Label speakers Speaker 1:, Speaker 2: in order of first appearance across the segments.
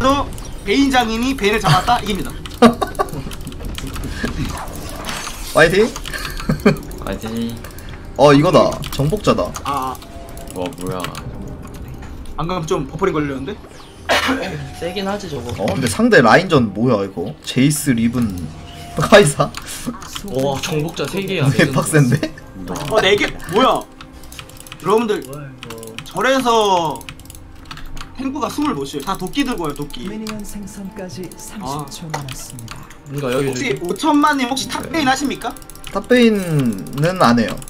Speaker 1: 그래도 베인 장인이 베인을 잡았다 이깁니다.
Speaker 2: 파이팅.
Speaker 3: 파이팅.
Speaker 2: 이거다. 정복자다.
Speaker 1: 아,
Speaker 3: 와 뭐야.
Speaker 1: 방금 좀 버퍼링 걸렸는데?
Speaker 4: 세긴 하지 저거.
Speaker 2: 근데 상대 라인전 뭐야 이거? 제이스 리븐 카이사?
Speaker 4: 와 정복자 3개야.
Speaker 2: 왜 빡센데?
Speaker 1: 4개? 뭐야? 여러분들 절에서 탱구가 숨을 못 쉬어요. 다 도끼 들고 와요, 도끼.
Speaker 5: 미니언 생성까지 30초 남았습니다.
Speaker 4: 그러니까 여기
Speaker 1: 혹시 5천만님 혹시 탑베인 하십니까?
Speaker 2: 탑베인은 안 해요.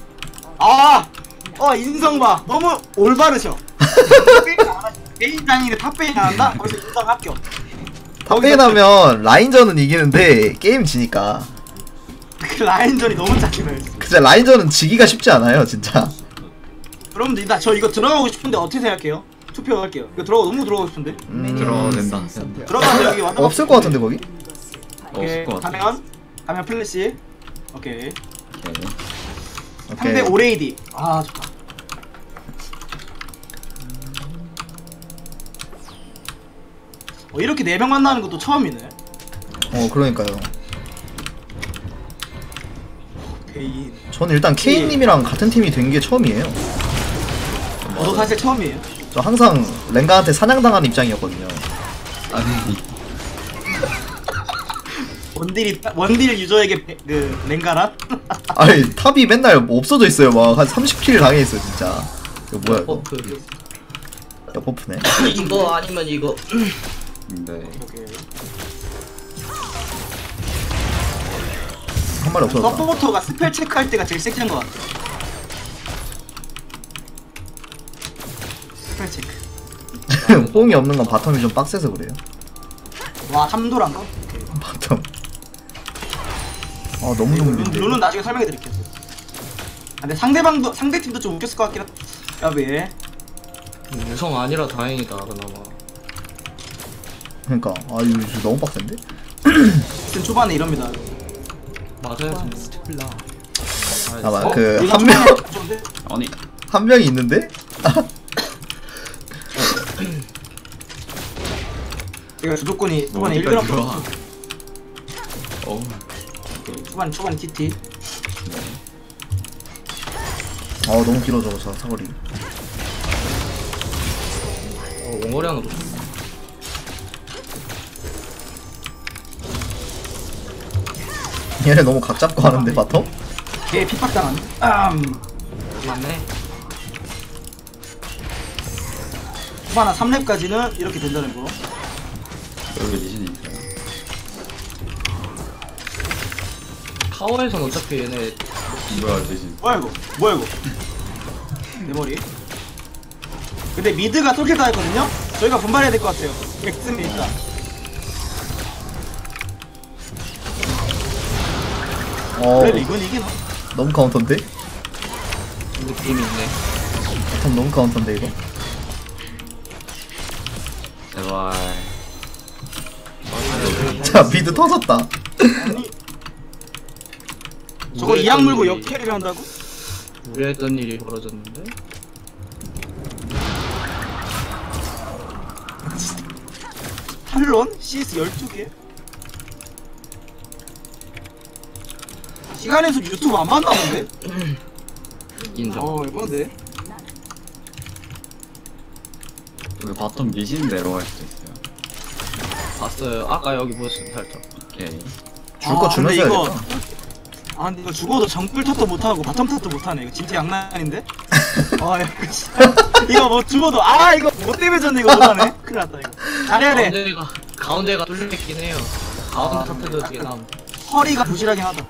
Speaker 1: 인성 봐. 너무 올바르셔. 베인 장인이 탑베인 안 한다? 거기서 인성 합격.
Speaker 2: 탑베인 하면 라인전은 이기는데 게임 지니까.
Speaker 1: 그 라인전이 너무 짜증나요.
Speaker 2: 진짜 라인전은 지기가 쉽지 않아요 진짜.
Speaker 1: 여러분들 나 저 이거 들어가고 싶은데 어떻게 생각해요? 투표할게요. 이거 너무 들어가고 싶은데.
Speaker 3: 들어가도 된다.
Speaker 1: 들어가서 여기 와서
Speaker 2: 없을 것 같은데 거기?
Speaker 1: 오케이.
Speaker 3: 없을 것 같아.
Speaker 1: 가면 플래시. 오케이.
Speaker 3: 오케이.
Speaker 1: 상대 오레이디. 아 좋다. 이렇게 4명 만나는 것도 처음이네.
Speaker 2: 그러니까요.
Speaker 1: 베인.
Speaker 2: 저는 일단 케인님이랑 같은 팀이 된 게 처음이에요.
Speaker 1: 저도 사실 처음이에요.
Speaker 2: 저 항상 랭가한테 사냥당한 입장이었거든요.
Speaker 3: 아니
Speaker 1: 원딜 유저에게 그 랭가란?
Speaker 2: 아니 탑이 맨날 뭐 없어져 있어요. 막 한 30킬 당해있어요 진짜. 이거 뭐야 이거?
Speaker 4: 버프.
Speaker 2: 야 버프네.
Speaker 4: 이거 아니면 이거.
Speaker 3: 네.
Speaker 1: 오케이.
Speaker 2: 한 마리 없어졌다.
Speaker 1: 서포터가 스펠 체크할 때가 제일 섹시한 것 같아. 스펠 체크.
Speaker 2: 뽕이 없는 건 바텀이 좀 빡세서 그래요.
Speaker 1: 와 삼도란가?
Speaker 2: 바텀. 너무 좋은데.
Speaker 1: 룰은 나중에 설명해 드릴게요. 근데 상대 팀도 좀 웃겼을 것 같긴 하다. 야왜?
Speaker 4: 유성 아니라 다행이다 그나마.
Speaker 2: 그러니까 이거 너무 빡센데?
Speaker 1: 하여튼 초반에 이럽니다.
Speaker 4: 맞아요.
Speaker 2: 아마
Speaker 1: 이거
Speaker 2: 한
Speaker 1: 초반에
Speaker 2: 명
Speaker 1: 좋은데?
Speaker 3: 아니
Speaker 2: 한 명이 있는데?
Speaker 1: 이거 주도권이 초반에
Speaker 3: 어디까지
Speaker 1: 1그램
Speaker 3: 들어와? 어우.
Speaker 1: 초반에 TT.
Speaker 2: 너무 길어져 저 사거리.
Speaker 4: 원거리 하나 더.
Speaker 2: 얘네 너무 각 잡고 하는데 바텀?
Speaker 1: 걔 핍박당하네.
Speaker 4: 맞네.
Speaker 1: 초반 한 3렙까지는 이렇게 된다는 거.
Speaker 3: 여기 리신이 있어요.
Speaker 4: 타워에선 어차피 얘네
Speaker 3: 뭐야 리신.
Speaker 1: 뭐야 이거? 내 머리. 근데 미드가 솔킬 다 했거든요? 저희가 분발해야 될 것 같아요. 백스미 일단. 그래도 이건 이기나?
Speaker 2: 너무 카운터인데?
Speaker 4: 느낌이 있네.
Speaker 2: 바텀 너무 카운터인데 이거?
Speaker 3: 제발.
Speaker 2: 자 미드 터졌다.
Speaker 1: 아니 저거 이악 물고 역캐리를 한다고?
Speaker 4: 우려했던 일이 벌어졌는데?
Speaker 1: 탈론? CS 12개? 시간에서 유튜브 안 만나는데?
Speaker 4: 인정.
Speaker 1: 이건데?
Speaker 3: 여기 바텀 리신 내려갈 수도 있어요.
Speaker 4: 봤어요. 아까 여기 보였어요 살짝.
Speaker 3: 오케이.
Speaker 2: 줄 거 주면서
Speaker 1: 근데 이거
Speaker 2: 해야겠다.
Speaker 1: 근데 이거 죽어도 정글 탓도 못하고 바텀 탓도 못하네. 이거 진짜 양난인데? 이거 진짜 이거 뭐 죽어도 이거 뭐 때문에 졌네 이거 못하네. 큰일 났다 이거. 잘해야 돼.
Speaker 4: 가운데가 뚫려있긴 해요. 가운데 터트려도 되게 남.
Speaker 1: 허리가 부실하긴 하다.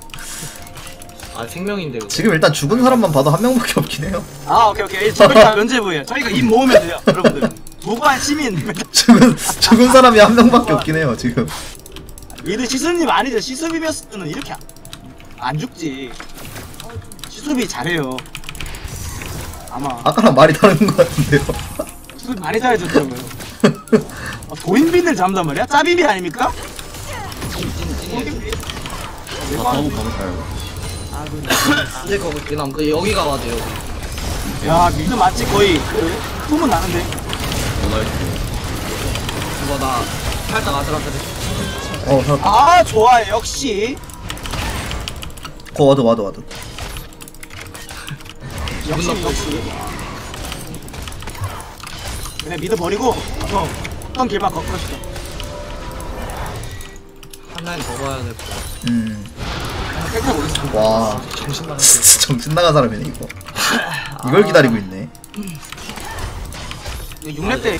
Speaker 4: 생명인데 그거.
Speaker 2: 지금 일단 죽은 사람만 봐도 한 명밖에 없긴 해요.
Speaker 1: 오케이. 저희 다 면제부예요. 저희가 입 모으면 돼요, 여러분들. 무고한 시민.
Speaker 2: 죽은 사람이 한 명밖에 없긴 해요 지금.
Speaker 1: 얘들 시수님 아니죠? 시수비였으면 이렇게 안 죽지. 시수비 잘해요. 아마
Speaker 2: 아까랑 말이 다른 것 같은데요.
Speaker 1: 시수비 많이 잘해줬더라고요. 도인빈을 잡는단 말이야? 짜비비 아닙니까? 도인빈.
Speaker 3: 바텀 가볼까요?
Speaker 4: 안될 거 같긴 함. 여기가 맞아 여기.
Speaker 1: 야 미드 맞지 거의 그 소문 나는데.
Speaker 3: 원할게.
Speaker 4: 이거 나 살짝 아슬아슬해.
Speaker 2: 살았다.
Speaker 1: 아 좋아요 역시
Speaker 2: 와드.
Speaker 1: 역시
Speaker 4: 나쁘다.
Speaker 1: 역시 그래 미드 버리고 어떤 길만 걷어주자.
Speaker 4: 한 라인 더 봐야 될 것 같아.
Speaker 1: 땡겨 보겠습니다.
Speaker 2: 와,
Speaker 4: 정신 나갔어.
Speaker 2: 진짜 정신 나간 사람이네 이거. 이걸 기다리고 있네.
Speaker 1: 6렙 때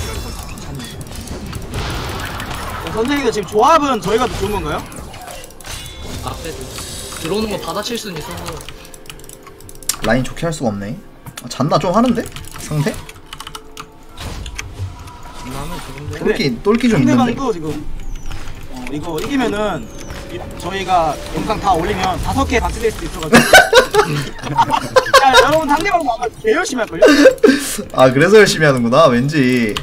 Speaker 1: 선생님도 지금 조합은 저희가 더 좋은 건가요?
Speaker 4: 앞에 들어오는 거 받아칠 수는 있어서.
Speaker 2: 라인 좋게 할 수가 없네. 잔나 좀 하는데? 상대?
Speaker 4: 나는 좋은데.
Speaker 2: 똘끼 좀 있는데.
Speaker 1: 상대방도 지금 이거 이기면은 저희가 영상 다 올리면 5개 박스될 수도 있어가지고 야 여러분 상대방 아마 개 열심히 할걸요?
Speaker 2: 아 그래서 열심히 하는구나 왠지.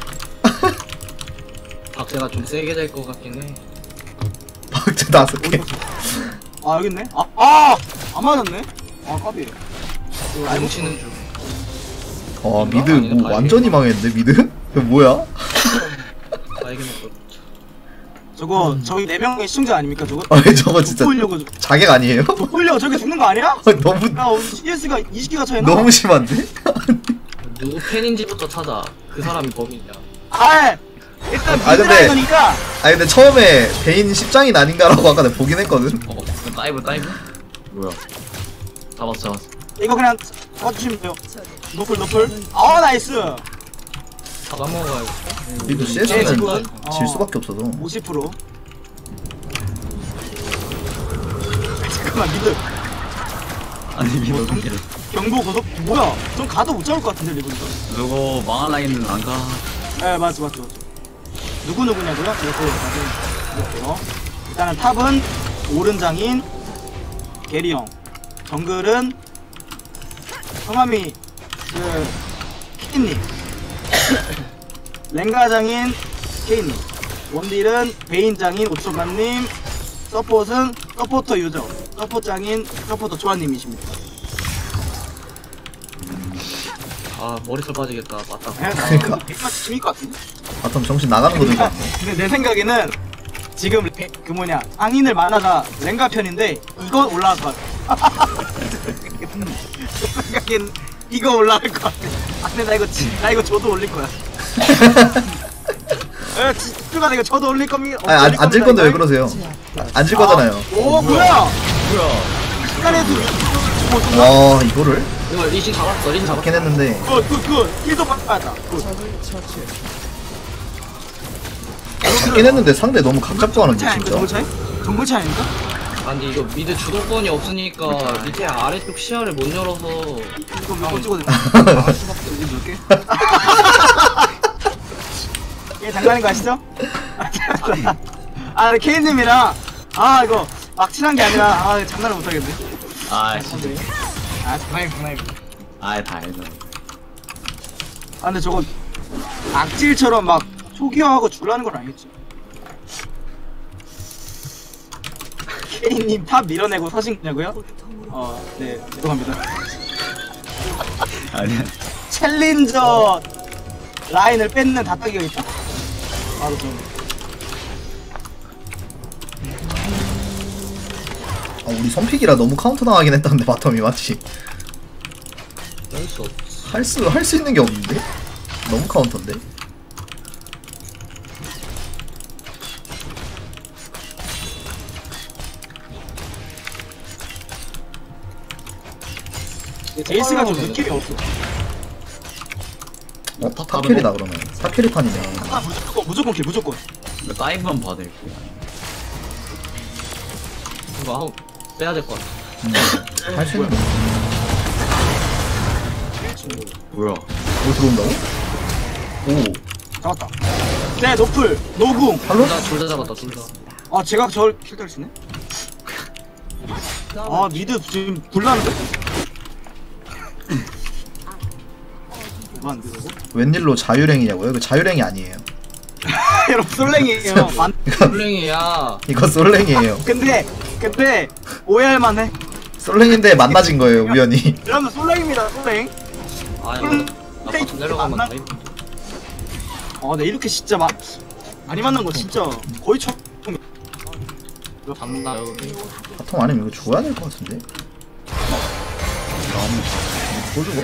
Speaker 4: 박제가 좀 세게 될 것 같긴 해.
Speaker 2: 박제 5개.
Speaker 1: 아 여기 있네? 안 맞았네? 아 까비
Speaker 4: 뭉치는 중.
Speaker 2: 미드 뭐 완전히 망했는데 미드? 이거 뭐야?
Speaker 4: 나에게 먹고.
Speaker 1: 저거 저희 4명의 시청자 아닙니까 저거?
Speaker 2: 아니 저거 진짜
Speaker 1: 돋보려고
Speaker 2: 자객 아니에요?
Speaker 1: 돋보려고 저게 죽는 거 아니야?
Speaker 2: 너무
Speaker 1: 야 CS가 20개가 차이나?
Speaker 2: 너무 심한데?
Speaker 4: 누구 팬인지부터 찾아. 그 사람이 범인이야.
Speaker 1: 아 일단
Speaker 2: 아, 근데-
Speaker 1: 미드라이너니까
Speaker 2: 아니 근데 처음에 베인 10장이 아닌가라고 아까 내가 보긴 했거든.
Speaker 3: 다이브 뭐야 잡았어
Speaker 1: 이거 그냥 잡아주시면 돼요. 노플 아 나이스
Speaker 4: 잡아먹어야겠다.
Speaker 2: 미드
Speaker 1: 네,
Speaker 2: CS는
Speaker 1: 지금,
Speaker 2: 질 수밖에 없어서.
Speaker 1: 50% 잠깐만 미드
Speaker 3: 아니 미도
Speaker 1: 경보 고속 뭐야 좀 가도 못 잡을 것 같은데 리븐
Speaker 3: 누구 망한 라인은 안가
Speaker 1: 네 맞죠 누구냐고요? 이것도 나중에 볼게요. 일단은 탑은 오른장인 게리형 정글은 성함이 키님 랭가장인 케이님 원딜은 베인장인 오초간님 서폿은 서포터 유저 서포장인 서포터 조아님이십니다.
Speaker 4: 아 머리털 빠지겠다. 맞다.
Speaker 2: 그러니까.
Speaker 1: 재밌을 것 같은데?
Speaker 2: 바텀 정신 나가는 거든.
Speaker 1: 근데 내 생각에는 지금 그 뭐냐 상인을 만화가 랭가 편인데 이거 올라갈 것 같아. 내 생각엔 이거 올라갈 것 같아. 아 근데 나 이거 저도 올릴 거야. 집중가 나 이거 저도 올릴 겁니다.
Speaker 2: 아니 안질 건데 왜 그러세요? 안 질 거잖아요.
Speaker 1: 오 뭐야? 시간에도
Speaker 2: 와 이거를
Speaker 4: 이거 리신 잡았어. 리신 잡았어.
Speaker 2: 잡긴 했는데.
Speaker 1: 그 힐도 받았다.
Speaker 2: 잡긴 했는데 상대 너무 각 잡고 하는 게
Speaker 1: 정글
Speaker 2: 진짜.
Speaker 1: 차이? 정글 차이 아닙니까?
Speaker 4: 아니 이거 미드 주도권이 없으니까 밑에 아래쪽 시야를 못 열어서.
Speaker 1: 이거 몇번 찍어도 돼? 아 수밖에 몇 개? 이게 장난인 거 아시죠? 아 케이님이랑 이거 막 친한 게 아니라 장난을 못 하겠네.
Speaker 3: 진짜
Speaker 1: 장난이.
Speaker 3: 다 알죠
Speaker 1: 근데 저거 악질처럼 막 초기화하고 줄라는 건 아니겠지? 케이님 탑 밀어내고 사신 거냐고요? 네 죄송합니다.
Speaker 3: 아니야
Speaker 1: 챌린저 라인을 뺏는 다따기가 있다? 바로 좀.
Speaker 2: 우리 선픽이라 너무 카운터 당하긴 했다는데 바텀이 맞지?
Speaker 4: 할수 없어.
Speaker 2: 할 수 있는 게 없는데? 너무 카운터인데?
Speaker 1: 제이스가 좀 느낌이 없어.
Speaker 2: 탑캐리다 그러면. 탑캐리 판이네.
Speaker 1: 무조건 킬 무조건.
Speaker 3: 다이브만 받을게요
Speaker 4: 이거 한번 빼야 될 것 같아.
Speaker 2: 할 수 있는 거.
Speaker 3: 뭐야
Speaker 2: 뭐 들어온다고? 오
Speaker 1: 잡았다. 네 노플 노궁.
Speaker 2: 팔로?
Speaker 4: 둘 다 잡았다. 둘 다.
Speaker 1: 제가 저를 킬들 쓰네. 미드 지금 불나는데? 안 되고?
Speaker 2: 웬일로 자유랭이냐고요? 이거 자유랭이 아니에요.
Speaker 1: 여러분 솔랭이에요.
Speaker 4: 블랭이야.
Speaker 2: 이거 솔랭이에요.
Speaker 1: 근데 오해할 만해.
Speaker 2: 솔랭인데 만나진 거예요 우연히.
Speaker 1: 여러분 솔랭입니다 솔랭.
Speaker 4: 아 이거 나 바텀 내려가면 다
Speaker 1: 네 이렇게 진짜 막 많이 만난 거 진짜 거의 처음.
Speaker 4: 이거 잡나 여기?
Speaker 2: 바텀 아니면 이거 줘야 될 것 같은데? 뭐 주고?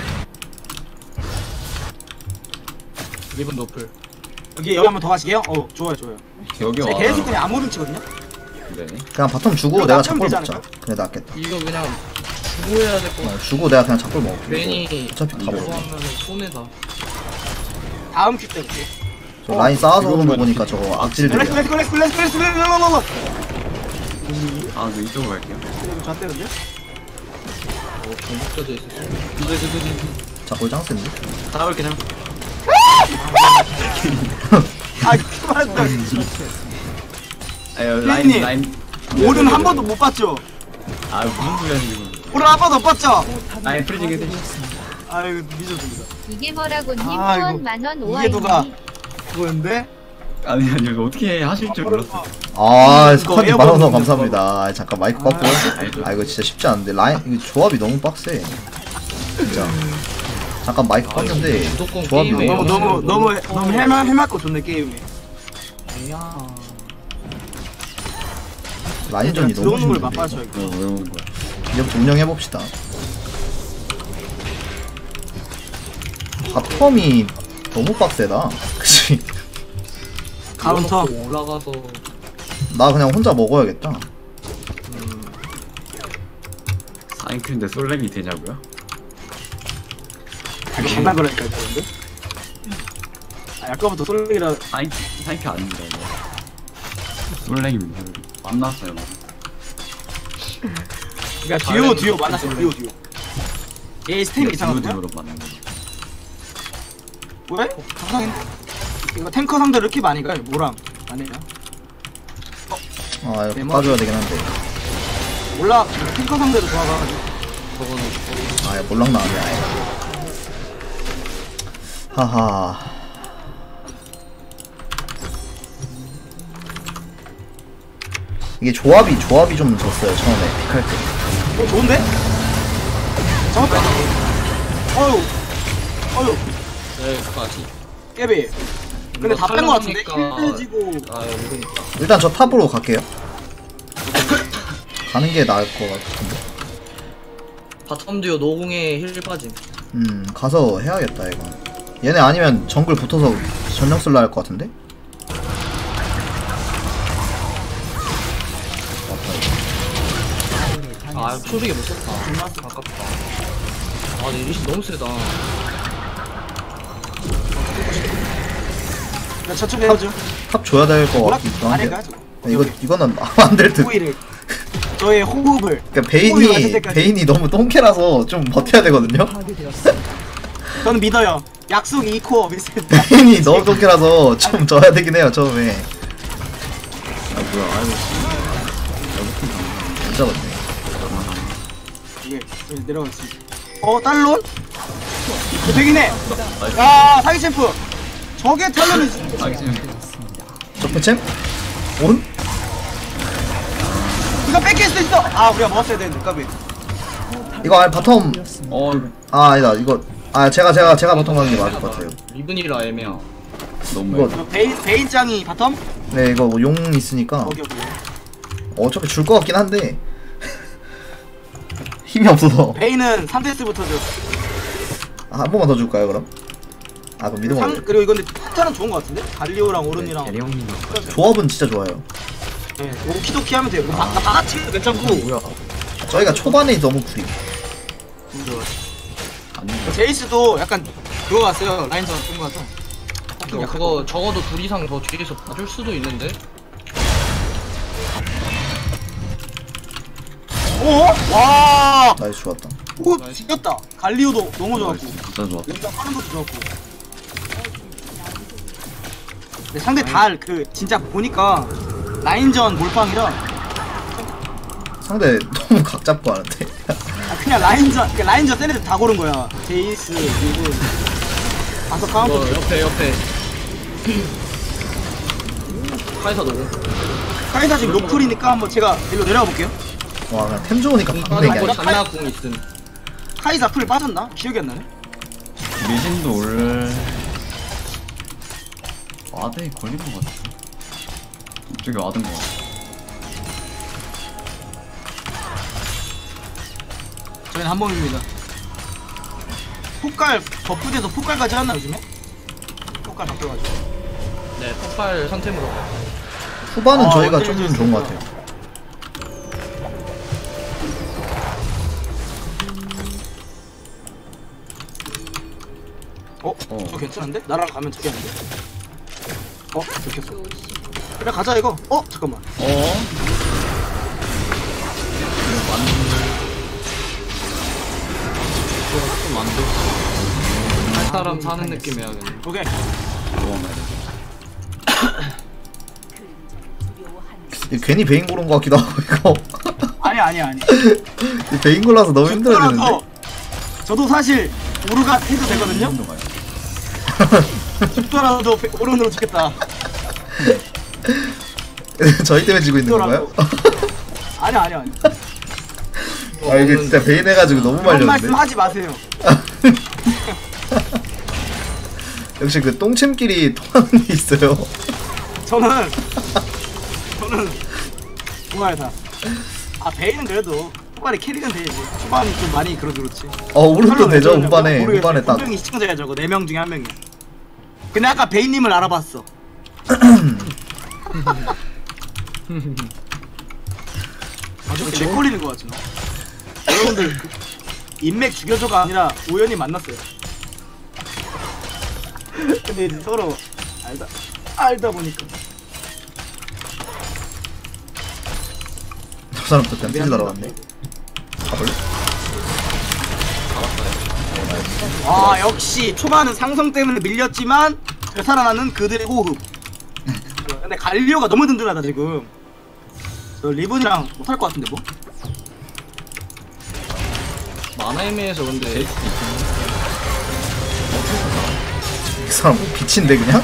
Speaker 4: 리븐 노플.
Speaker 1: 여기 한번 더 가시게요? 좋아요.
Speaker 3: 여기
Speaker 1: 제
Speaker 3: 와.
Speaker 1: 계속 그냥 아무런 치거든요.
Speaker 3: 네.
Speaker 2: 그냥 바텀 주고
Speaker 1: 이거
Speaker 2: 내가
Speaker 1: 납치하면
Speaker 2: 잡골
Speaker 1: 되지
Speaker 2: 먹자.
Speaker 1: 않을까?
Speaker 2: 그래 낫겠다.
Speaker 4: 이거 그냥 주고 해야 될 것 같아.
Speaker 2: 주고 내가 그냥 잡골 먹어.
Speaker 4: 괜히
Speaker 2: 어차피 다
Speaker 4: 이거
Speaker 2: 먹어.
Speaker 4: 하면 손해다.
Speaker 1: 다음 큐 때 볼게.
Speaker 2: 저 라인 쌓아서 오는 거
Speaker 3: 이거만
Speaker 2: 보니까 저거
Speaker 1: 렛츠고
Speaker 2: 악질들이야.
Speaker 1: 렛츠고.
Speaker 3: 아, 저 이쪽으로 갈게요.
Speaker 1: 저 때는데?
Speaker 4: 공격자도 있었어.
Speaker 2: 잡골 짱센데?
Speaker 3: 잡을게, 잡을게.
Speaker 1: 그만했다.
Speaker 3: 아유,
Speaker 1: 피디님.
Speaker 3: 라인.
Speaker 1: 오른 한 번도 못 봤죠?
Speaker 3: 아, 무슨 소리야, 지금.
Speaker 1: 오른 한 번도 못 봤죠?
Speaker 3: 라인 프리징 해주시.
Speaker 1: 아유 늦었습니다.
Speaker 6: 이게 뭐라고님
Speaker 1: 아, 이거
Speaker 6: 후원 만원
Speaker 1: 이게 누가
Speaker 6: 오아이니
Speaker 1: 그거였는데?
Speaker 3: 아니, 이거 어떻게 하실 줄 몰랐어.
Speaker 2: 아,
Speaker 1: 이거
Speaker 2: 스쿼트
Speaker 1: 에어컨
Speaker 2: 만원
Speaker 1: 넣는
Speaker 2: 감사합니다. 아, 잠깐 마이크 꺾고.
Speaker 3: 알죠.
Speaker 2: 아, 이거 진짜 쉽지 않은데. 라인, 이거 조합이 너무 빡세. 진짜. 잠깐 마이크 껐는데,
Speaker 4: 무조건
Speaker 2: 조합이
Speaker 4: 게임에
Speaker 2: 너무
Speaker 1: 너무 해맑고 좋네 게임이.
Speaker 4: 야.
Speaker 2: 라인전이 너무
Speaker 1: 들어오는 걸
Speaker 2: 힘든데.
Speaker 1: 맛봐줘야 돼.
Speaker 3: 왜 온 거야?
Speaker 2: 이제부터 운영해봅시다. 바텀이 너무 빡세다. 그치?
Speaker 1: 카운터.
Speaker 4: 올라가서
Speaker 2: 나 그냥 혼자 먹어야겠다.
Speaker 3: 사인크인데 솔랭이 되냐고요?
Speaker 1: 장난 그러니까 그런데. 아까부터 솔랭이라.
Speaker 3: 사인크 아닙니다, 이거. 솔랭입니다. 만났어요, 막.
Speaker 1: 그러니까 듀오 만났어 듀오. 얘 스템 이상한데?
Speaker 3: 듀오로 만난 거죠.
Speaker 1: 왜? 감상했네. 이거 탱커 상대 이렇게 많이 가요. 뭐랑 안 해요?
Speaker 2: 아, 이거 까줘야 되긴 한데.
Speaker 1: 몰라. 탱커 상대로 좋아가지고.
Speaker 4: 저거는
Speaker 2: 아, 몰락 나왔네. 아예. 하하. 이게 조합이 좀 졌어요, 처음에. 픽할 때.
Speaker 1: 좋은데? 잡았다. 어휴.
Speaker 4: 여기까지.
Speaker 1: 깨비. 근데 다 뺀 거 같은데?
Speaker 4: 탈락하니까-
Speaker 1: 힐해지고.
Speaker 4: 아 이러니까.
Speaker 2: 일단 저 탑으로 갈게요. 가는 게 나을 것 같은데.
Speaker 4: 바텀 듀오 노공에 힐 빠짐.
Speaker 2: 가서 해야겠다, 이거. 얘네 아니면 정글 붙어서 전령 쓸라 할 것 같은데?
Speaker 4: 아 초식에 못 썼다. 아깝다. 아 근데 리시 너무 세다.
Speaker 1: 나 저쪽 해야죠.
Speaker 2: 탑 줘야 될 것
Speaker 1: 뭐라?
Speaker 2: 같기도
Speaker 1: 안
Speaker 2: 한데.
Speaker 1: 해가 저거.
Speaker 2: 이거는 안 될 듯.
Speaker 1: 호의를. 저의 호흡을.
Speaker 2: 그러니까
Speaker 1: 호흡이 맞을 때까지.
Speaker 2: 베인이 너무 똥캐라서 좀 버텨야 되거든요.
Speaker 5: 파괴되었습니다.
Speaker 1: 저는 믿어요. 약속 2코어 비슷했다.
Speaker 2: 베인이 너무 똥캐라서 좀 져야 되긴 해요, 처음에.
Speaker 3: 아, 뭐야, 아이고.
Speaker 2: 안 잡았네.
Speaker 1: 이게 내려갔습니다. 딸론? 되긴 해. 야 사기 챔프. 저게 탈론이 진짜.
Speaker 3: 아, 지금.
Speaker 2: 적폐챔? 온?
Speaker 1: 이거 뺏길 수도 있어. 아 우리가 먹었어야 되는데 까비.
Speaker 2: 이거 아니 바텀.
Speaker 3: 이거
Speaker 2: 아, 아니다. 이거. 아, 제가 바텀 가는 게 맞을 것 같아요.
Speaker 4: 리븐이라 애매야.
Speaker 3: 너무.
Speaker 2: 이거-
Speaker 1: 저 베인 짱이 바텀?
Speaker 2: 네, 이거 용 있으니까.
Speaker 1: 오케이.
Speaker 2: 어차피 줄 것 같긴 한데. 힘이 없어서.
Speaker 1: 베인은 3데스부터 줘.
Speaker 2: 아, 한 번만 더 줄까요, 그럼? 아, 그럼 믿음 없네.
Speaker 1: 그리고 이건데 스타는 좋은 거 같은데? 갈리오랑 오른이랑.
Speaker 3: 대령님.
Speaker 2: 조합은 진짜 좋아요.
Speaker 1: 네, 오키도키 하면 돼요. 다 같이 괜찮고.
Speaker 2: 저희가 초반에 너무 구리.
Speaker 1: 제이스도 약간 그거 같아요. 라인전 그런 거 같아.
Speaker 4: 그거 적어도 둘 이상 더 뒤에서 봐줄 수도 있는데.
Speaker 1: 와!
Speaker 2: 나이스, 좋았다.
Speaker 1: 오, 지렸다. 갈리오도 너무 좋았고.
Speaker 3: 진짜 좋았다.
Speaker 1: 일단 빠른 것도 좋았고. 근데 상대 다 진짜 보니까 라인전 몰빵이라
Speaker 2: 상대 너무 각 잡고 하는데.
Speaker 1: 그냥 라인전 센 애들 다 고른 거야. 제이스, 리븐. 다섯 카운터.
Speaker 4: 옆에. 카이사 노공.
Speaker 1: 카이사 지금 로플이니까 한번 제가 일로 내려가 볼게요.
Speaker 2: 와, 그냥 템 좋으니까
Speaker 4: 공
Speaker 2: 박는 게
Speaker 4: 빠졌고
Speaker 2: 아니야.
Speaker 4: 잔나 공 있음.
Speaker 1: 카이사 풀 빠졌나? 기억이 안 나네.
Speaker 3: 미신도 올. 와드에 걸린 것 같아. 이쪽에 와든 거.
Speaker 1: 저희는 한 몸입니다. 폭갈 버프돼서 폭갈까지 하나 요즘에? 폭갈 바뀌어가지고.
Speaker 4: 네, 폭발 선템으로 가요.
Speaker 2: 후반은
Speaker 1: 아,
Speaker 2: 저희가
Speaker 1: 어때요?
Speaker 2: 좀 좋은 것 같아요.
Speaker 1: 저 괜찮은데? 나랑 가면 되겠는데? 좋겠어. 그래 가자 이거. 잠깐만.
Speaker 4: 좀 만들. 할 사람 사는 느낌 해야겠네.
Speaker 1: 오케이.
Speaker 3: 도망가야 돼.
Speaker 2: 괜히 베인 고른 것 같기도 하고 이거.
Speaker 1: 아니.
Speaker 2: 베인 골라서 너무 힘들어지는데.
Speaker 1: 저도 사실 오르가 해도 되거든요?
Speaker 3: 힘도 가요.
Speaker 1: 죽더라도 오른으로 죽겠다.
Speaker 2: 저희 때문에 지고 있는 건가요?
Speaker 1: 아니.
Speaker 2: 아 이게 진짜 베인 해가지고 너무
Speaker 1: 그런
Speaker 2: 말렸는데.
Speaker 1: 말씀 하지 마세요.
Speaker 2: 역시 그 똥침끼리 통하는 게 있어요.
Speaker 1: 저는 좋아요. 베이는 그래도 후반에 캐릭은 되지. 초반이 좀 많이 그렇지.
Speaker 2: 오른도 되죠 후반에. 후반에 딱.
Speaker 1: 분명히 시청자가 저거 4명 중에 1명이야. 근데 아까 베이님을 알아봤어. 아주 개 걸리는 거 같지 너. 여러분들 인맥 죽여줘가 아니라 우연히 만났어요. 근데 이제 서로 알다 보니까.
Speaker 2: 저 사람 또 뱀피지 날아왔네. 가볼래?
Speaker 1: 역시 초반은 상성 때문에 밀렸지만 되살아나는 그들의 호흡. 근데 갈리오가 너무 든든하다 지금. 저 리븐이랑 못할 것 같은데 뭐?
Speaker 4: 만화 애매해서 근데
Speaker 2: 이 사람 뭐 빛인데 그냥?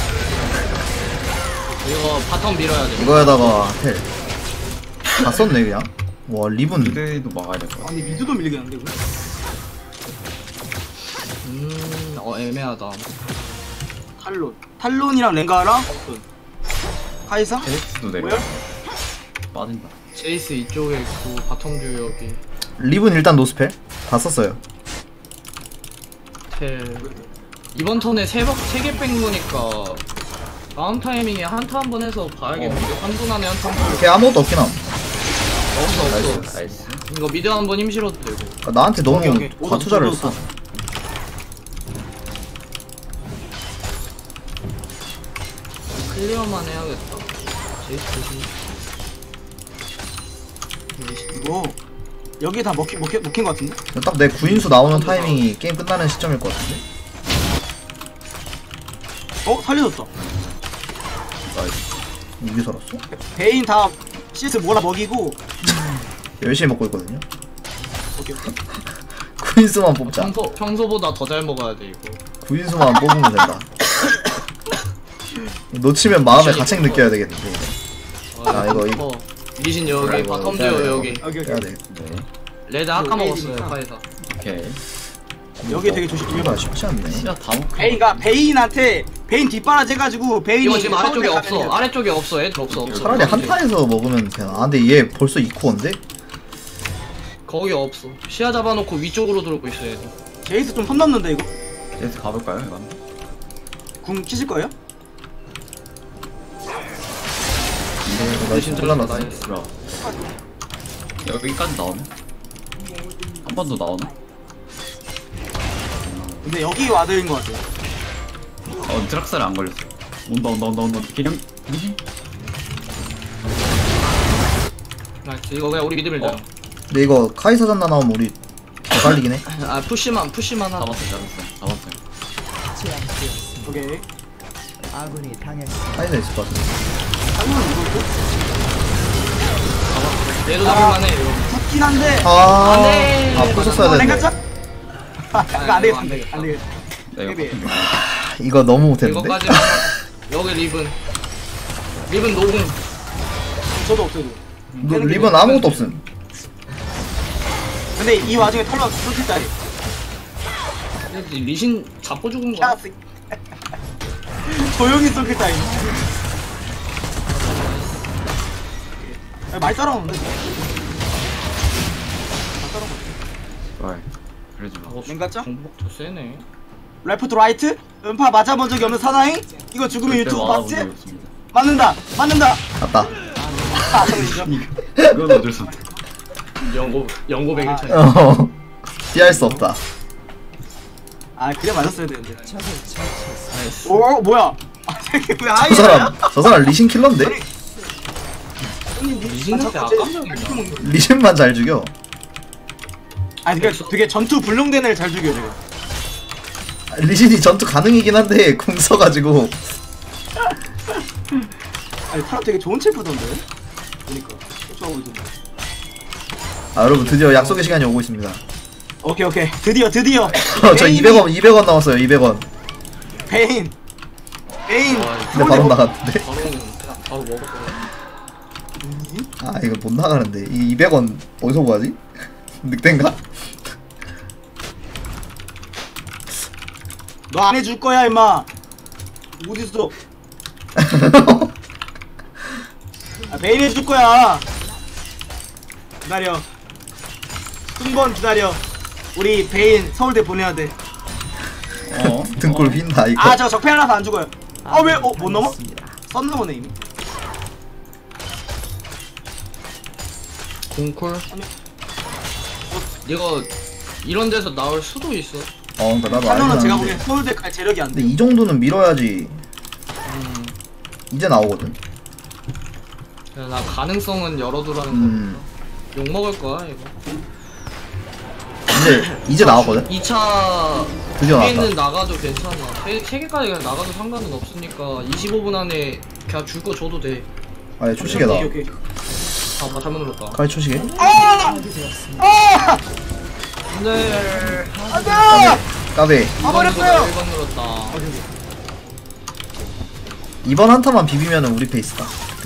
Speaker 4: 이거 바텀 밀어야 돼.
Speaker 2: 이거에다가 헬. 다 썼네 그냥. 와 리븐.
Speaker 3: 미드도 막아야 될 것 같아.
Speaker 1: 아니 미드도 밀리겠는데 이거?
Speaker 4: 애매하다.
Speaker 1: 탈론이랑 랭가랑 카이사?
Speaker 3: 제이스도 내려.
Speaker 1: 뭐야?
Speaker 3: 빠진다.
Speaker 4: 제이스 이쪽에 있고 바텀 여기
Speaker 2: 리븐 일단 노스펠 다 썼어요.
Speaker 4: 텔. 이번 턴에 3개 뺀 거니까 다음 타이밍에 한타 한 번 해서 봐야겠는데. 한분 안에 한타
Speaker 2: 걔 아무것도 없긴 함.
Speaker 4: 없어.
Speaker 3: 나이스.
Speaker 4: 이거 미드 한 번 힘 실어도 되고.
Speaker 2: 그러니까 나한테 너무
Speaker 1: 오케이.
Speaker 2: 과투자를
Speaker 1: 오다,
Speaker 2: 했어.
Speaker 1: 오다.
Speaker 4: 클리어만 해야겠다. 제이스 조심.
Speaker 1: 이거 여기 다 먹힌 것 같은데?
Speaker 2: 딱 내 구인수 나오는 타이밍이 게임 끝나는 시점일 것 같은데.
Speaker 1: 살려줬다.
Speaker 3: 나이스.
Speaker 2: 이게 살았어?
Speaker 1: 베인 다 CS 몰아 먹이고.
Speaker 2: 열심히 먹고 있거든요.
Speaker 1: 오케이.
Speaker 2: 구인수만 뽑자.
Speaker 4: 평소보다 더 잘 먹어야 돼 이거.
Speaker 2: 구인수만 뽑으면 된다. 놓치면 마음에 가책 느껴야 되겠는데. 이거.
Speaker 4: 리신 여기,
Speaker 2: 이거
Speaker 4: 바텀
Speaker 2: 빼야
Speaker 4: 듀오
Speaker 2: 돼.
Speaker 4: 여기.
Speaker 1: 오케이.
Speaker 2: 해야 돼.
Speaker 3: 네.
Speaker 4: 레드 아까 먹었어요
Speaker 1: 레이디니까.
Speaker 4: 카이사.
Speaker 3: 오케이.
Speaker 1: 여기 되게 조심.
Speaker 2: 이거 쉽지 않네.
Speaker 3: 시야 다 먹고.
Speaker 1: 베인한테 베인 뒷바라지 해가지고 베인이
Speaker 4: 이거 지금 아래쪽에
Speaker 1: 처음에
Speaker 4: 없어.
Speaker 1: 가면은
Speaker 4: 아래쪽에 없어. 애들 없어.
Speaker 2: 차라리 한타에서 먹으면 되나? 근데 얘 벌써 2코어인데?
Speaker 4: 거기 없어. 시야 잡아놓고 위쪽으로 돌고 있어 애들.
Speaker 1: 제이스 좀 손 넘는데 이거?
Speaker 3: 제이스 가볼까요? 이건?
Speaker 1: 궁 키실 거예요?
Speaker 2: 나 지금 잘라놨어.
Speaker 3: 그럼. 여기까지 나오네? 한 번 더 나오네?
Speaker 1: 근데 여기 와드인 것 같아요.
Speaker 3: 드락사를 안 걸렸어. 온다. 기령.
Speaker 4: 나이스. 이거 그냥 우리 미드 밀자.
Speaker 2: 근데 이거 카이사 잔나 나오면 우리 개갈리긴 해.
Speaker 4: 푸시만 하자.
Speaker 3: 잡았어요.
Speaker 5: 제압되었습니다.
Speaker 1: 오케이.
Speaker 5: 아군이 당했습니다.
Speaker 2: 카이사 있을 것 같은데.
Speaker 1: 한번 이거
Speaker 4: 얘도 잡을만해 이거.
Speaker 1: 좋긴 한데.
Speaker 2: 아, 부쉈어야 되는데.
Speaker 1: 랭가짜? 이거 안
Speaker 4: 이거 안
Speaker 1: 되겠다.
Speaker 4: 되겠다.
Speaker 1: 안 되겠다.
Speaker 3: 내가
Speaker 1: 헤비.
Speaker 2: 이거 너무 못했는데?
Speaker 4: 이거까지만 여기 리븐 노공.
Speaker 1: 저도 없어요.
Speaker 2: 리본 아무것도 없음.
Speaker 1: 근데 이 와중에 털러 솔직짜리.
Speaker 4: 리신 잡고 죽은 거야.
Speaker 1: 캬스. 조용히 솔직짜리. 많이 따라오는데. 다 따라오고.
Speaker 3: 왜? 그러지 마.
Speaker 1: 랭가짱?
Speaker 4: 정복도 세네.
Speaker 1: 레프트 라이트? 음파 맞아본 적이 없는 사나이? 이거 죽으면
Speaker 3: 절대
Speaker 1: 유튜브
Speaker 3: 맞아본
Speaker 1: 봤지?
Speaker 3: 적이 없습니다.
Speaker 1: 맞는다! 맞는다!
Speaker 2: 갔다.
Speaker 1: 아, 그러죠.
Speaker 3: 그건 어쩔 수 없다.
Speaker 4: 연고 100일 차이.
Speaker 2: 피할 수 없다.
Speaker 1: 아, 그래 맞았어야 되는데.
Speaker 4: 나이스.
Speaker 1: 오, 뭐야? 아, 이게 왜 아이야?
Speaker 2: 저 사람 리신 킬러인데?
Speaker 4: 리신한테 아깜짝이야.
Speaker 2: 리신만 잘 죽여.
Speaker 1: 아니, 그러니까 되게 전투 불능된 애를 잘 죽여, 지금.
Speaker 2: 리신이 전투 가능이긴 한데 궁 써가지고.
Speaker 1: 아니, 타라 되게 좋은 챔프던데? 보니까. 쫓아오고 있던데.
Speaker 2: 아 여러분 드디어 약속의 시간이 오고 있습니다.
Speaker 1: 오케이, 오케이. 드디어.
Speaker 2: 저 200원 나왔어요. 200원.
Speaker 1: 베인. 베인.
Speaker 2: 근데 바로 나갔는데.
Speaker 4: 바로 먹을 거야.
Speaker 2: 아 이거 못 나가는데. 이 200원 어디서 구하지? 늑대인가?
Speaker 1: 너 안 해줄 거야, 임마. 어딨어? 아, 베인 해줄 거야. 기다려. 한번 기다려. 우리 베인 서울대 보내야 돼.
Speaker 2: 등골 휜다 이거.
Speaker 1: 아, 저 적폐 하나서 안 죽어요. 아, 왜? 못 넘어? 썬 넘어네 이미.
Speaker 4: 공콜. 이거 이런 데서 나올 수도 있어.
Speaker 2: 그러니까 나도
Speaker 1: 탈론은
Speaker 2: 알긴
Speaker 1: 제가
Speaker 2: 하는데.
Speaker 1: 보기엔 서울대 갈 재력이 안
Speaker 2: 근데
Speaker 1: 돼.
Speaker 2: 이 정도는 밀어야지. 이제 나오거든.
Speaker 4: 그래서 나 가능성은 열어두라는
Speaker 2: 음.
Speaker 4: 거. 욕 먹을 거야 이거.
Speaker 2: 근데 이제 나왔거든.
Speaker 4: 2차
Speaker 2: 드디어
Speaker 4: 뒤에는
Speaker 2: 나왔다.
Speaker 4: 나가도 괜찮아. 3개까지 그냥 나가도 상관은 없으니까 25분 안에 그냥 줄 거 줘도 돼.
Speaker 2: 아예 초시계다.
Speaker 1: 오케이, 오케이.
Speaker 4: 아, 잘못 눌렀다.
Speaker 2: 카이 초시계.
Speaker 4: 근데
Speaker 1: 안돼!
Speaker 2: 까베.
Speaker 1: 가버렸어요!
Speaker 4: 1번 눌렀다.
Speaker 2: 이번 한타만 비비면은 우리 페이스다.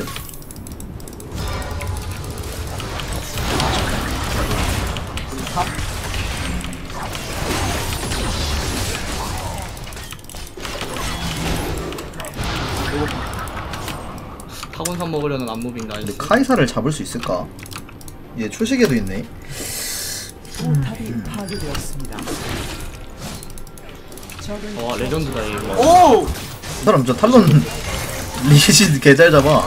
Speaker 4: 타곤산 먹으려는 안무빙 나이스.
Speaker 2: 근데 카이사를 잡을 수 있을까? 얘 초시계도 있네.
Speaker 5: 포탑이 파괴되었습니다.
Speaker 4: 와 레전드다 이거.
Speaker 1: 오!
Speaker 2: 그 사람 저 탈론 리신 개잘 잡아.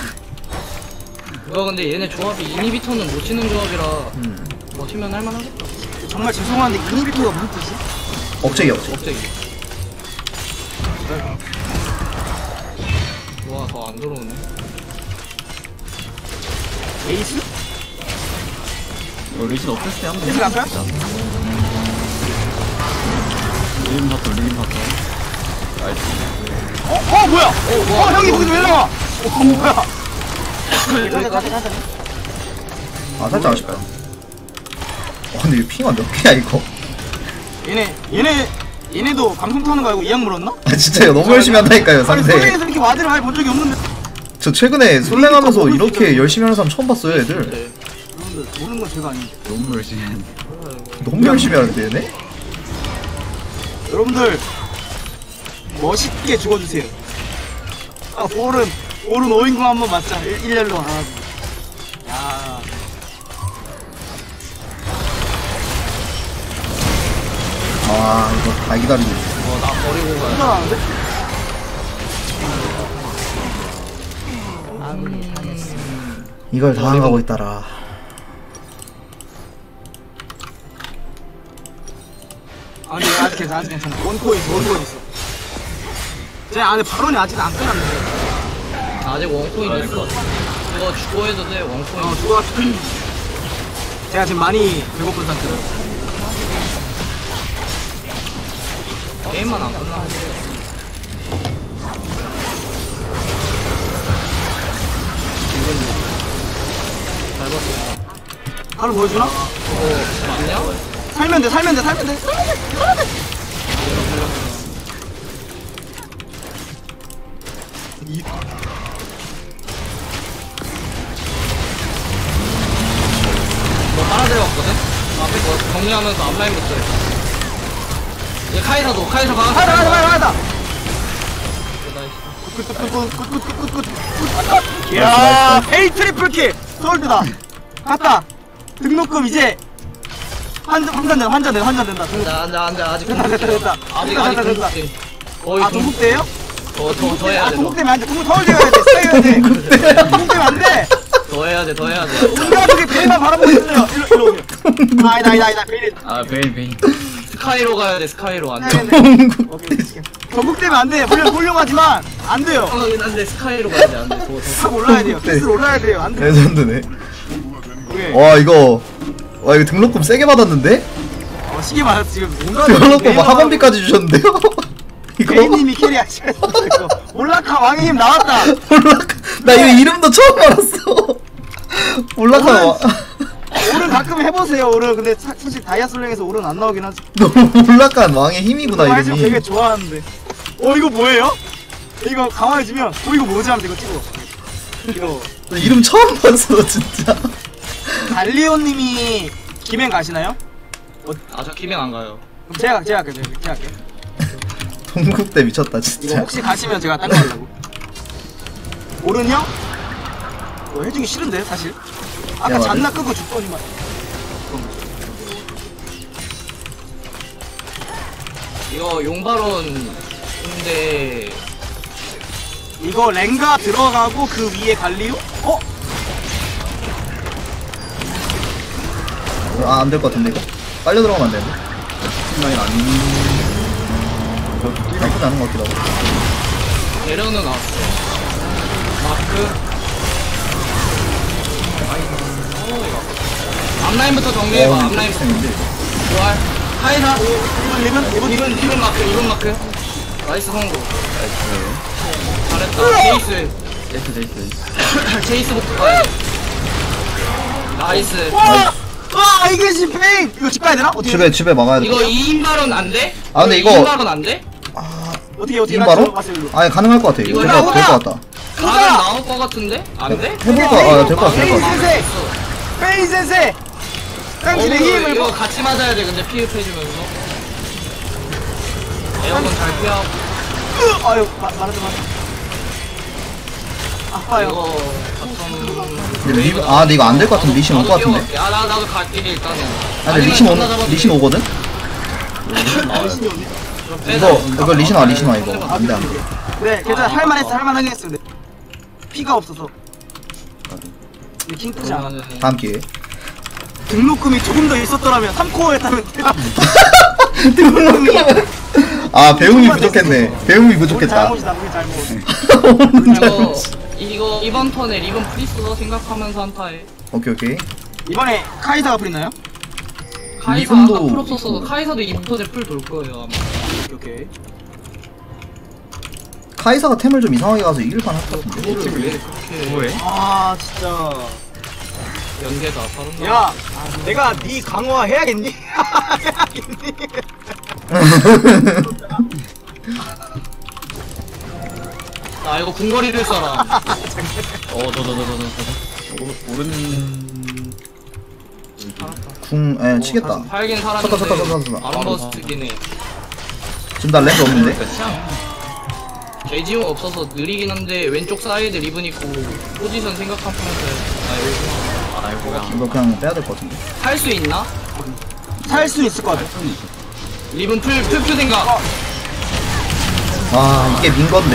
Speaker 4: 이거 근데 얘네 조합이 이니비터는 못 치는 조합이라 버티면 할만하겠다.
Speaker 1: 정말 죄송한데 이니비토가 무슨 뜻이?
Speaker 2: 억제기.
Speaker 4: 갑자기. 와 더 안 들어오네.
Speaker 1: 에이스?
Speaker 3: 리신 없을 때 한번
Speaker 1: 에이스 갈까요?
Speaker 3: 리신 봤어. 나이스.
Speaker 1: 뭐야? 형이 거기서 왜 나와? 뭐야? 가자.
Speaker 2: 아 살짝 아쉽다. 근데 이거 핑화 몇 개야 이거?
Speaker 1: 얘네도 방송 타는 거 알고 이악 물었나?
Speaker 2: 아 진짜 이거 너무 열심히 한다니까요
Speaker 1: 아니
Speaker 2: 상대.
Speaker 1: 솔랭에서 이렇게 와드를 많이 본 적이 없는데.
Speaker 2: 저 최근에 솔랭하면서 이렇게 열심히 하는 사람 처음 봤어요 애들.
Speaker 4: 네.
Speaker 1: 여러분들 모르는 건 제가 아닌데.
Speaker 3: 너무 열심히 했는데.
Speaker 2: 너무 열심히 하는데 얘네?
Speaker 1: 여러분들 멋있게 죽어주세요. 아 볼은 5인공 한번 맞자. 일렬로 하나. 야.
Speaker 2: 아 이거 다 기다리고 있어.
Speaker 4: 나 버리고 가야
Speaker 1: 괜찮았는데?
Speaker 5: 아군이 당했습니다.
Speaker 2: 이걸 당하고 있다라.
Speaker 1: 아니 아직 괜찮아. 원코인 있어. 제 안에 발언이 아직 안 끝났는데.
Speaker 4: 아직 원코인 있어. 이거 주고 해도 돼 원코인.
Speaker 1: 좋아. 제가 지금 많이 배고픈 상태로.
Speaker 4: 게임만 안 끝나. 잘 봤어.
Speaker 1: 바로 보여주나?
Speaker 4: 맞냐?
Speaker 1: 살면 돼.
Speaker 4: 너 빨아들여왔거든? 앞에 거 정리하면서 앞라인부터 해. 얘 카이사 가.
Speaker 1: 가자.
Speaker 4: 나이스.
Speaker 1: 굿. 이야, 헤이 트리플 킬. 서울대다. 갔다. 등록금 이제 환전 된다.
Speaker 4: 앉아 아직
Speaker 1: 됐다.
Speaker 4: 아직
Speaker 1: 됐다.
Speaker 4: 동국대. 거의
Speaker 1: 아 동국대예요?
Speaker 4: 더 해야 돼.
Speaker 1: 동국대면 안 돼. 서울대 가야 돼. 가야 돼. 동국대면 안 돼.
Speaker 4: 더 해야 돼.
Speaker 1: 우리 가족이 베일만 바라보고 있어요. 일로 오세요. 아니다. 베일.
Speaker 3: 아 베인.
Speaker 4: 스카이로 가야 돼. 스카이로 안 돼.
Speaker 1: 전국대면 안 돼. 물론 훌륭하지만 안 돼요.
Speaker 4: 안돼 스카이로 가야 돼. 안돼.
Speaker 1: 탑 올라야 돼요. 패스를 올라야 돼요. 안 돼.
Speaker 2: 레전드네.
Speaker 1: 오케이.
Speaker 2: 와 이거 등록금 세게 받았는데?
Speaker 1: 시계 맞았어 지금. 뭔가
Speaker 2: 등록금 뭐 학원비까지 주셨는데요? 이거
Speaker 1: 베이님이 캐리하셔야 돼. 이거. 올라카 왕의 힘 나왔다.
Speaker 2: 나 이거 이름도 처음 알았어. 올라가 와.
Speaker 1: 오른 가끔 해보세요. 오른 근데 사실 다이아 솔랭에서 오른 안 나오긴 하지.
Speaker 2: 너무 올라간 왕의 힘이구나
Speaker 1: 말씀 되게
Speaker 2: 이름이.
Speaker 1: 좋아하는데. 이거 뭐예요? 이거 강화해주면 이거 뭐지 하면 이거 찍어. 이거
Speaker 2: 나 이름 처음 봤어 진짜.
Speaker 1: 달리오님이 김행 가시나요?
Speaker 4: 아저 기면 안 가요.
Speaker 1: 그럼 제가 할게요.
Speaker 2: 동국대 미쳤다
Speaker 1: 이거
Speaker 2: 진짜.
Speaker 1: 혹시 가시면 제가 딴 거 하려고. 오른요? 해주기 싫은데 사실. 아까
Speaker 2: 야,
Speaker 1: 잔나 끄고 죽더니만.
Speaker 4: 이거 용바론 근데
Speaker 1: 이거 랭가 들어가고 그 위에 갈리오?
Speaker 2: 아 안 될 것 같은데 이거. 빨려 들어가면 안 되는데.
Speaker 3: 라인 안.
Speaker 2: 나쁘지 않은 것 같기도 하고.
Speaker 4: 대련은 나왔어. 마크. 앞라인부터 정리해봐. 앞라인부터. 좋아. 카이사. 이번 마크. 나이스 성공. 잘했다. 제이스. 제이스부터 가야 돼. 나이스.
Speaker 1: 와 이게 지페인! 이거 집 가야 되나? 어떻게?
Speaker 2: 집에 막아야 돼.
Speaker 4: 이거 2인발은 안 돼?
Speaker 2: 아, 근데 이거-
Speaker 4: 2인발은 안 돼?
Speaker 1: 어떻게
Speaker 2: 지금 바로? 아니 가능할 것 같아.
Speaker 4: 이거
Speaker 2: 이거
Speaker 1: 나오나?
Speaker 2: 될것 같다.
Speaker 4: 가면 나올 것 같은데? 안 돼?
Speaker 2: 해볼까? 될 것 같아.
Speaker 1: 페인 센세! 페인 센세! 당신의 힘을
Speaker 4: 이거 같이 맞아야 돼. 근데 피흡해주면서. 에어건 잘 피하고.
Speaker 1: 아유 말하지 마. 아파요.
Speaker 4: 이거 바텀.
Speaker 2: 근데 근데 이거 안 될 것 같은데 리신 올 것 같은데.
Speaker 4: 야 나도 갈게 일단은.
Speaker 2: 아 근데 리신 오거든? 이거 리신 와 이거. 안 돼.
Speaker 1: 네 괜찮아 할만하게 했어 근데 피가 없어서. 이거 킹 뜨지 않아.
Speaker 2: 다음 기회에.
Speaker 1: 등록금이 조금 더 있었더라면 3코어 했다면
Speaker 2: 아 배움이 부족했네. 배움이
Speaker 1: 우리
Speaker 2: 부족했다.
Speaker 1: 잘못이다 우리 잘못.
Speaker 4: 이거 이번 턴에 리본 프리스도 생각하면서 한타해.
Speaker 2: 오케이.
Speaker 1: 이번에 카이사가 풀리나요?
Speaker 4: 카이사
Speaker 2: 리본도-
Speaker 4: 아까 풀 없었어도 카이사도 이번 턴에 풀 돌 거예요 아마.
Speaker 1: 오케이.
Speaker 2: 카이사가 템을 좀 이상하게 가서 이길 만할 것 같은데.
Speaker 4: 왜 그렇게
Speaker 3: 뭐해?
Speaker 1: 아 진짜.
Speaker 4: 연계다 다른
Speaker 1: 야 내가 네 강화 해야겠니? 해야겠니?
Speaker 4: 나 이거 궁거리를 써라.
Speaker 3: 오른.
Speaker 2: 치겠다.
Speaker 4: 팔긴
Speaker 2: 쳤다.
Speaker 4: 살았는데 아름버스트긴 해.
Speaker 2: 지금 나 랜드 없는데?
Speaker 4: 돼지용 없어서 느리긴 한데 왼쪽 사이드 리븐 있고 포지션 생각하면서
Speaker 3: 아이고야.
Speaker 2: 이거 그냥 빼야 될 것 같은데.
Speaker 4: 할 수 있나?
Speaker 1: 살 수 있을 것 같아.
Speaker 4: 리븐 풀 생각.
Speaker 2: 아 이게 민 건데.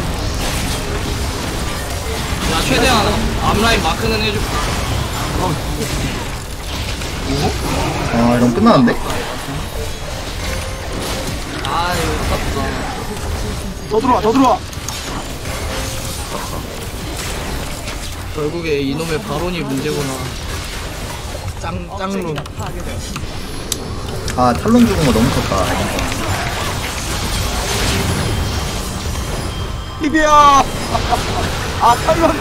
Speaker 4: 야 최대한 앞라인 마크는 해줄.
Speaker 2: 아 이러면 끝나는데?
Speaker 4: 아 이거 깝다.
Speaker 1: 더 들어와.
Speaker 4: 결국에 이놈의 바론이 문제구나. 짱룸.
Speaker 2: 아 탈론 죽은 거 너무 컸다.
Speaker 1: 리비야. 아 탈론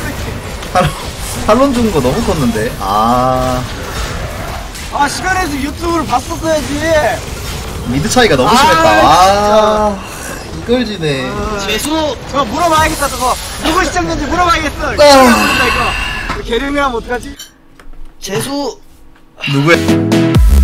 Speaker 2: 탈론 죽은 거 너무 컸는데. 아
Speaker 1: 시간에서 유튜브를 봤었어야지.
Speaker 2: 미드 차이가 너무 심했다. 아 이걸 지네.
Speaker 4: 재수.
Speaker 1: 저거 물어봐야겠다 저거. 누구 시청자인지 물어봐야겠어. 이거 개름이라면 어떡하지?
Speaker 4: 재수.
Speaker 2: 누구야?